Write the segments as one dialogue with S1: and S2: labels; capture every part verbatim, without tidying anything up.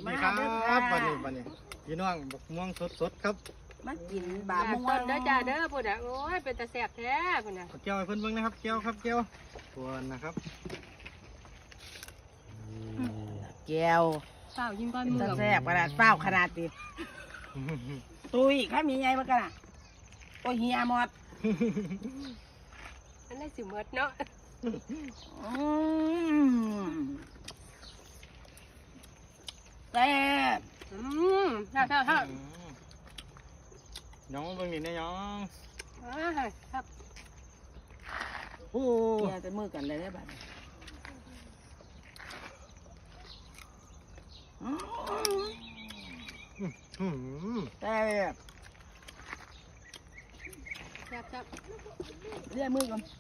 S1: ดีครับวันนี้วันนี้พี่น้องบกม่วงสดๆครับ
S2: มากินบาม่วง
S3: เด้อจ้าเด้อพุ่นอ่ะโอ้ยเป็นตาแซ่บแท้พุ่นอ่ะ
S1: เกี๊ยวให้เพิ่นเบิ่งนะครับเกี๊ยวครับเกี๊ยวตัวนะครับ
S2: แก้ว
S3: เฝ้ายิ้มก้อนมือ
S2: แซ่บขนาดเฝ้าขนาดติตุยข้ามีไงบ้างกันอ่ะโอ้ยเฮียหมด
S3: อันนี้สิเมดเนาะ
S2: แซ่บ
S3: อืมฮ่าฮ่าฮ่า
S1: น้องเบิ่งนี่นะน้อง
S3: ครับ
S1: โอ้
S2: เฮียจะมือกันเลยได้บ้างแซ่บ
S3: แซ่บแซ่บ
S2: เรียกมือกัน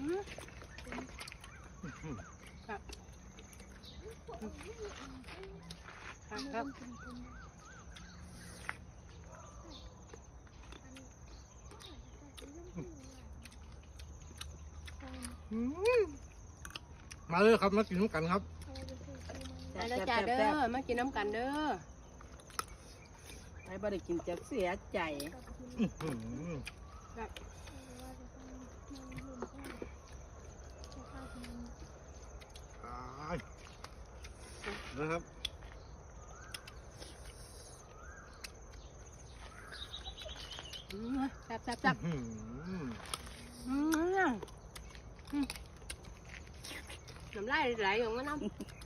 S3: ครับครับ
S1: มาเลยครับมากินกันครับ
S3: มาเด้อจ้าเด้อมากินน้ำกันเด้อ
S2: ให้บริกินจะเสียใจ
S3: ครับ
S1: นะครับ
S3: แซ่บแซ่บแซ่บน้ำลายไหลออกมาน้ำ